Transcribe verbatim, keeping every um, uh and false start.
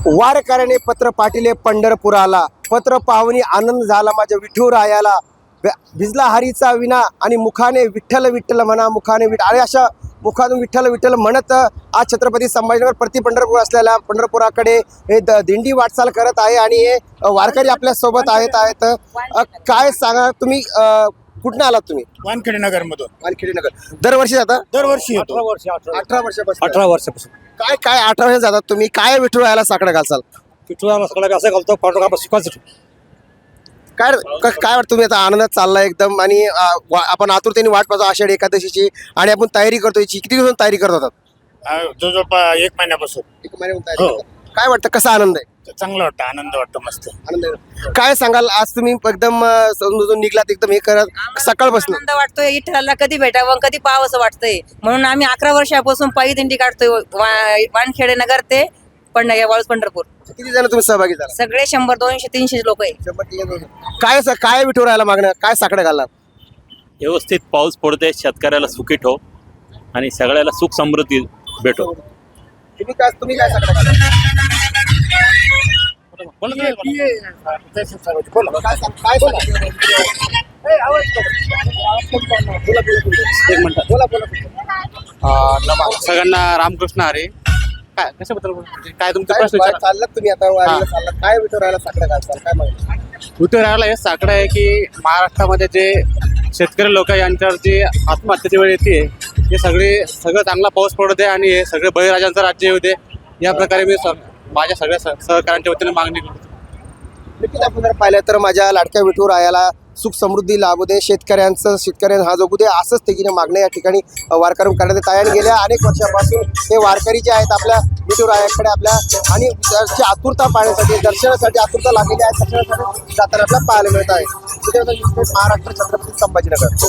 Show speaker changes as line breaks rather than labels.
वारकऱ्याने पत्र पाठिले पंढरपुराला, पत्र पाहुनी आनंद झाला माझ्या विठुरायाला, भिजला हरीचा विना आणि मुखाने विठ्ठल विठ्ठल म्हणा, मुखाने विठ्ठल, आणि अशा मुखातून विठ्ठल विठ्ठल म्हणत आज छत्रपती संभाजीनगर प्रति पंढरपूर असलेल्या पंढरपुराकडे हे द दिंडी वाटचाल करत आहे. आणि हे वारकरी आपल्या सोबत आहेत आहेत काय सांगा तुम्ही, कुठून आलात तुम्ही?
वानखेडे नगर मधून.
वानखेडे नगर. दरवर्षी जाता?
दरवर्षी येतो.
अठरा वर्षापासून.
अठरा वर्षापासून
काय काय अठरा वर्ष जातात तुम्ही, काय विठुरायाला साकडं घालसाल?
पिठूला सगळं असं घालतो, पाठोपाठ शिकवायचं.
काय क- काय वाटतं तुम्ही आता आनंदात चालला एकदम, आणि अ, वा- आपण आतुरतेने वाट पाहतो आषाढी एकादशीची, आणि आपण तयारी करतो याची. किती दिवस तयारी करत होतात?
जवळजवळ प- एक महिन्यापासून.
एक महिन्याहून तयारी
हो.
करतात. काय वाटतं, कसा आनंद आहे?
चांगलं वाटतं, आनंद वाटतो, मस्त.
आनंद आहे. काय सांगाल, आज तुम्ही एकदम अ, समजून निघलात एकदम हे करत सकाळपासून?
आनंद वाटतोय, विठ्ठलाला कधी भेटावं कधी पाहावं वाटतंय, म्हणून आम्ही अकरा वर्षापासून पायी दिंडी काढतोय वा- वानखेडे नगर ते पंढ वाळूस पंढरपूर.
किती जण तुम्ही सहभागी झाला?
सगळे शंभर दोनशे तीनशे लोक आहे.
काय स- काय विठुरायाला मागणं, काय साकडं घालणार?
व्यवस्थित पाऊस पडते, शेतकऱ्याला सुखी ठेव आणि सगळ्याला सुख समृद्धी भेटो.
तुम्ही काय तुम्ही काय साकडं घालणार? काय सांग- काय सांगा?
एक मिनिट.
बोला बोला.
सगळ्यांना रामकृष्ण हरी. काय कशाबद्दल बोलतो? काय तुमचा
काय
प्रश्न विचार?
चाललात तुम्ही आता वारीला चाललात, काय विठुरायाला साकडं घालसाल, काय माहिती?
उतरायला हे साकडं आहे की महाराष्ट्रामध्ये जे शेतकरी लोक आहे यांच्यावर जी आत्महत्येची वेळ येते, हे सगळे सगळं चांगला पाऊस पडू दे आणि हे सगळे बळीराजांचं राज्य येऊ दे, या प्रकारे मी स- माझ्या सगळ्या सह- सहकाऱ्यांच्या वतीने मागणी करतो.
नक्कीच आपण जर पाहिलं तर माझ्या लाडक्या विठुरायाला सुख समृद्धी लाभू दे, शेतकऱ्यांचं शेतकऱ्यांना हा जगू दे, असंच तेकीने मागण्या या ठिकाणी वारकरी करण्यात येत आहे. आणि गेल्या अनेक वर्षापासून हे वारकरी जे आहेत आपल्या विठुरायाकडे आपल्या आणि त्याची आतुरता पाहण्यासाठी, दर्शनासाठी आतुरता लागलेली आहे, दर्शनासाठी जाताना आपल्याला पाहायला मिळत आहे. महाराष्ट्र छत्रपती संभाजीनगर.